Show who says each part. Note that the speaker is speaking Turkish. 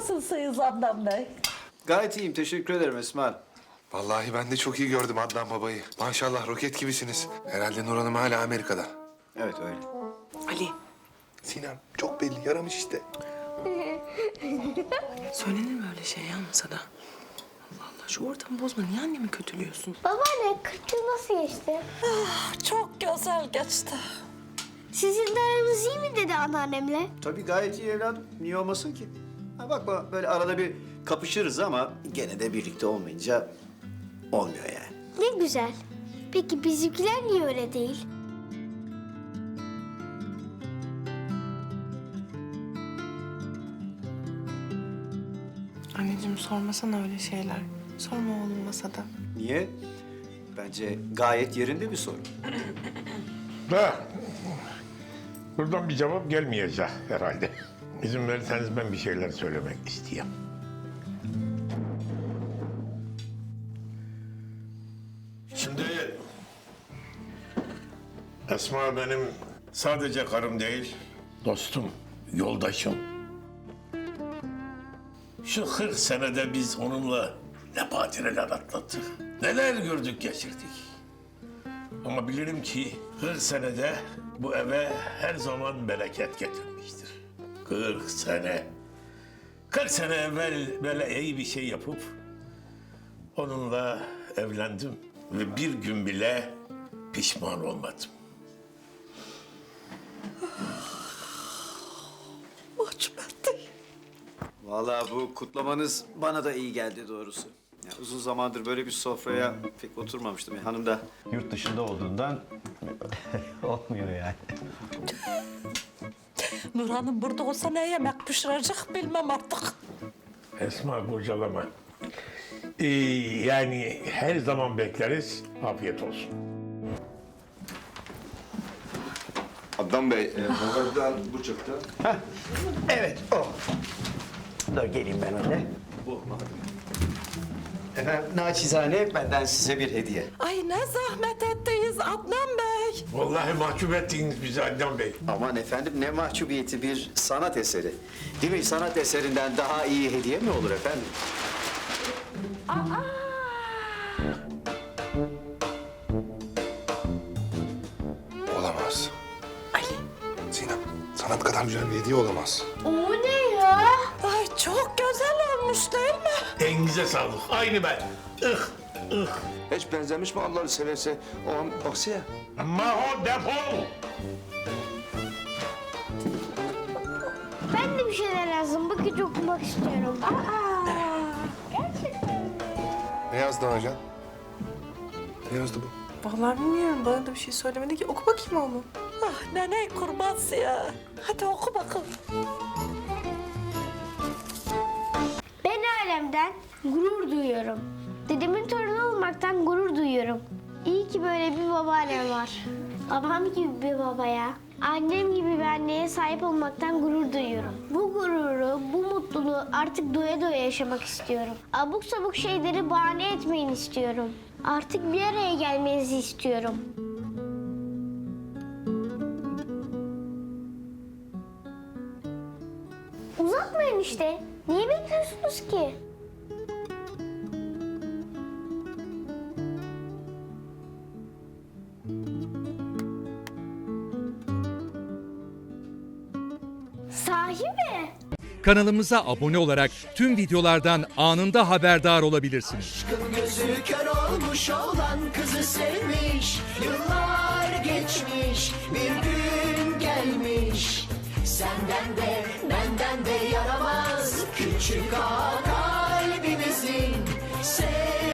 Speaker 1: Nasılsınız Adnan Bey?
Speaker 2: Gayet iyiyim, teşekkür ederim Esma.
Speaker 3: Vallahi ben de çok iyi gördüm Adnan babayı. Maşallah roket gibisiniz. Herhalde Nur Hanım hala Amerika'da.
Speaker 2: Evet öyle.
Speaker 4: Ali,
Speaker 3: Sinem çok belli yaramış işte.
Speaker 4: söylenir mi öyle şey ya masada? Allah Allah, şu ortamı bozma. Niye annemi kötülüyorsun?
Speaker 5: Babaanne 40 yıl nasıl geçti?
Speaker 1: Çok güzel geçti.
Speaker 5: Sizin de aranız iyi mi dedi anneannemle?
Speaker 2: Tabii gayet iyi evladım. Niye olmasın ki? Ha bakma böyle arada bir kapışırız ama gene de birlikte olmayınca olmuyor yani.
Speaker 5: Ne güzel. Peki bizimkiler niye öyle değil?
Speaker 4: Anneciğim sormasana öyle şeyler. Sorma oğlum masada.
Speaker 2: Niye? Bence gayet yerinde bir soru.
Speaker 6: Da buradan bir cevap gelmeyecek herhalde. İzin verirseniz ben bir şeyler söylemek istiyorum. Şimdi Esma benim sadece karım değil, dostum, yoldaşım. Şu 40 senede biz onunla ne badireler atlattık, neler gördük geçirdik. Ama bilirim ki 40 senede bu eve her zaman bereket getirmiştir. 40 sene. 40 sene evvel böyle iyi bir şey yapıp onunla evlendim. Ve bir gün bile pişman olmadım.
Speaker 1: Mahcup etti.
Speaker 2: Vallahi bu kutlamanız bana da iyi geldi doğrusu. Ya uzun zamandır böyle bir sofraya pek oturmamıştım. Hanım da yurt dışında olduğundan olmuyor yani.
Speaker 1: Nur Hanım burada olsa ne yemek pişirecek bilmem artık.
Speaker 6: Esma kurcalama. Yani her zaman bekleriz. Afiyet olsun.
Speaker 3: Adnan Bey, babadan bu çıktı.
Speaker 2: Evet o. Dur geleyim ben öyle. Bu. Efendim naçizane benden size bir hediye.
Speaker 1: Ay ne zahmet ettiniz Adnan Bey.
Speaker 6: Vallahi mahcup ettiniz bizi Adnan Bey.
Speaker 2: Aman efendim ne mahcubiyeti bir sanat eseri. Değil mi? Sanat eserinden daha iyi hediye mi olur efendim?
Speaker 3: Olamaz.
Speaker 4: Ali,
Speaker 3: Sinem, sanat kadar güzel bir hediye olamaz.
Speaker 5: O ne ya?
Speaker 1: Ay çok güzel olmuş değil mi?
Speaker 6: Elinize sağlık. Aynı ben.
Speaker 3: Hiç benzemiş mi Allah'ını severse? O an baksana.
Speaker 6: Maho defol.
Speaker 5: Ben de bir şeyler yazdım. Bakıcı okumak istiyorum. Gerçekten.
Speaker 3: Ne yazdı Hacan? Ne yazdı bu?
Speaker 4: vallahi bilmiyorum. Bana da bir şey söylemedi ki. Oku bakayım oğlum.
Speaker 1: Ah nene kurbansı ya. Hadi oku bakalım.
Speaker 5: Ben ailemden gurur duyuyorum. Dedemin torunu olmaktan gurur duyuyorum. İyi ki böyle bir babaannem var. Babam gibi bir babaya, annem gibi bir anneye sahip olmaktan gurur duyuyorum. Bu gururu, bu mutluluğu artık doya doya yaşamak istiyorum. Abuk sabuk şeyleri bahane etmeyin istiyorum. Artık bir araya gelmenizi istiyorum. Uzatmayın işte. Niye bekliyorsunuz ki? Sahi mi?
Speaker 7: Kanalımıza abone olarak tüm videolardan anında haberdar olabilirsiniz.
Speaker 8: Gözü kör olmuş olan kızı sevmiş. Yıllar geçmiş, bir gün gelmiş. Senden de benden de yaramaz küçük ağa kalbimizin.